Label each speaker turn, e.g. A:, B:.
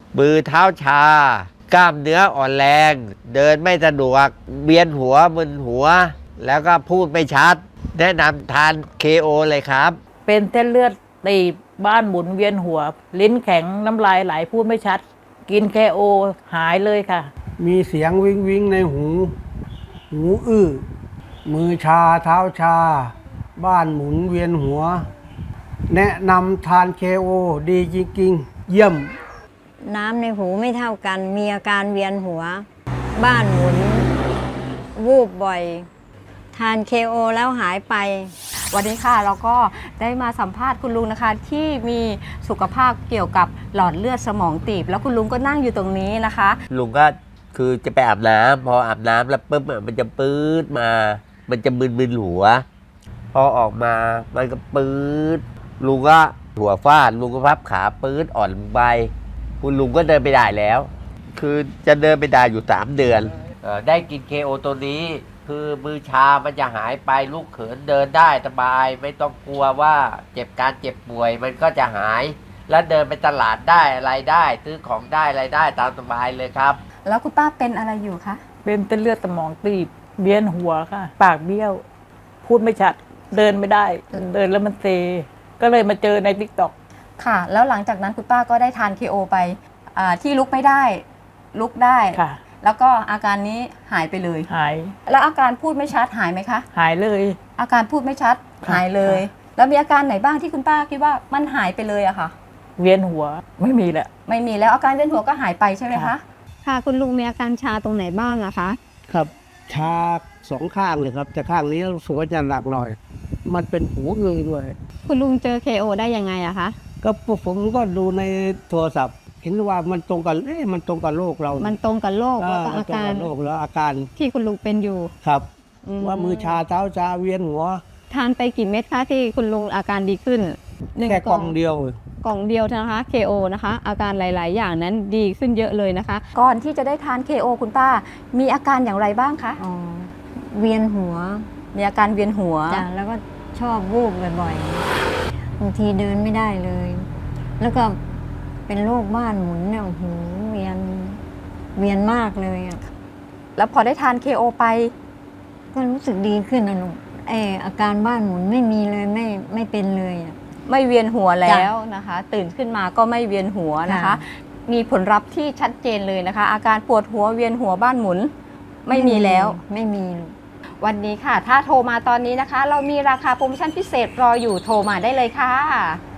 A: มือเท้าชากล้ามเนื้ออ่อนแรง เดินไม่สะดวกเวียนหัวมึนหัว แล้วก็พูดไม่ชัด แนะนำทาน KO เลยครับ
B: เป็นเส้นเลือดตีบบ้านหมุนเวียนหัว ลิ้นแข็งน้ำลายไหลพูดไม่ชัด กิน KO หายเลยค่ะ
C: มีเสียงวิงวิงในหู หูอื้อ มือชาเท้าชา บ้านหมุนเวียนหัว แนะนำทาน KO ดีจริงๆ เยี่ยม
D: น้ำในหูไม่เท่ากัน มีอาการเวียนหัว บ้านหมุน วูบบ่อย ทาน KO แล้วหายไป
E: วันนี้ค่ะเราก็ได้มาสัมภาษณ์คุณลุงนะคะ ที่มีสุขภาพเกี่ยวกับหลอดเลือดสมองตีบแล้วคุณลุงก็นั่งอยู่ตรงนี้นะคะ
A: ลุงก็คือจะไปอาบน้ำพออาบน้ำแล้วปุ๊บมันจะปื๊ดมา มันจะมึนๆหัว พอออกมามันก็ปื๊ดลุงก็หัวฟาดลุงก็พับขาปื๊ดอ่อนลงไปคุณลุงก็เดินไปได้แล้ว คือจะเดินไปได้อยู่3 เดือนได้กิน KO ตัวนี้คือมือชามันจะหายไปลูกเขินเดินได้สบาย ไม่ต้องกลัวว่าเจ็บป่วยมันก็จะหาย แล้วเดินไปตลาดได้อะไรได้ซื้อของได้อะไรได้ตามสบายเลยครับ
E: แล้วคุณป้าเป็นอะไรอยู่คะ
B: เป็นเส้นเลือดสมองตีบเวียนหัวค่ะ ปากเบี้ยว พูดไม่ชัด เดินไม่ได้ เดินแล้วมันเซ ก็เลยมาเจอใน TikTok
E: ค่ะ แล้วหลังจากนั้นคุณป้าก็ได้ทาน KO ไปที่ลุกไม่ได้ลุกได้
B: ค่ะ
E: แล้วก็อาการนี้หายไปเลย
B: หาย
E: แล้วอาการพูดไม่ชัดหายไหมคะ
B: หายเลย
E: อาการพูดไม่ชัด
B: ค่ะ
E: หายเลย
B: ค่ะ
E: แล้วมีอาการไหนบ้างที่คุณป้าคิดว่ามันหายไปเลยอะค่ะ
B: เวียนหัวไม่มีแหละ
E: ไม่มีแล้วอาการเวียนหัวก็หายไปใช่ไหมคะ
B: ค่ะ
D: ค่ะคุณลุงมีอาการชาตรงไหนบ้างอะคะ
C: ครับ ชา2 ข้างเลยครับ แต่ข้างนี้รู้สึกว่าจะหนักหน่อย มันเป็นหูอื้อด้วย
D: คุณลุงเจอ KO ได้ยังไงอะคะ
C: ก็ผมก็ดูในโทรศัพท์ เห็นว่ามันตรงกับมันตรงกับโรคเรา
D: มันตรงกับโรคแล้วก็
C: มั
D: อาน
C: ตรง
D: การ
C: กับโรคแล้วอาการ
D: ที่คุณลุงเป็นอยู่
C: ครับ ว่ามือชาเท้าชาเวียนหัว
D: ทานไปกี่เม็ดคะที่คุณลุงอาการดีขึ้นหนึ่ง
C: แค่กล่องเดียว
D: กล่องเดียวนะคะ KO นะคะ อาการหลาย ๆ อย่างนั้นดีขึ้นเยอะเลยนะคะ
E: ก่อนที่จะได้ทาน KO คุณป้า มีอาการอย่างไรบ้างคะ
D: อ๋อ เวียนหัว
E: มีอาการเวียนหัว
D: จ้ะแล้วก็ชอบวูบบ่อยๆบางทีเดินไม่ได้เลย แล้วก็เป็นโรคบ้านหมุนเนี่ยโอ้โหเวียนมากเลยอะ
E: แล้วพอได้ทาน KO ไป
D: ก็รู้สึกดีขึ้นนะลูกอาการบ้านหมุนไม่มีเลยไม่เป็นเลยอะ
E: ไม่เวียนหัวแล้วนะคะ ตื่นขึ้นมาก็ไม่เวียนหัวนะคะ
D: ค่ะ
E: มีผลลัพธ์ที่ชัดเจนเลยนะคะ อาการปวดหัวเวียนหัวบ้านหมุน ไม่มีแล้ว
D: ไม่มีลูก
E: วันนี้ค่ะ ถ้าโทรมาตอนนี้นะคะ เรามีราคาโปรโมชั่นพิเศษรออยู่โทรมาได้เลยค่ะ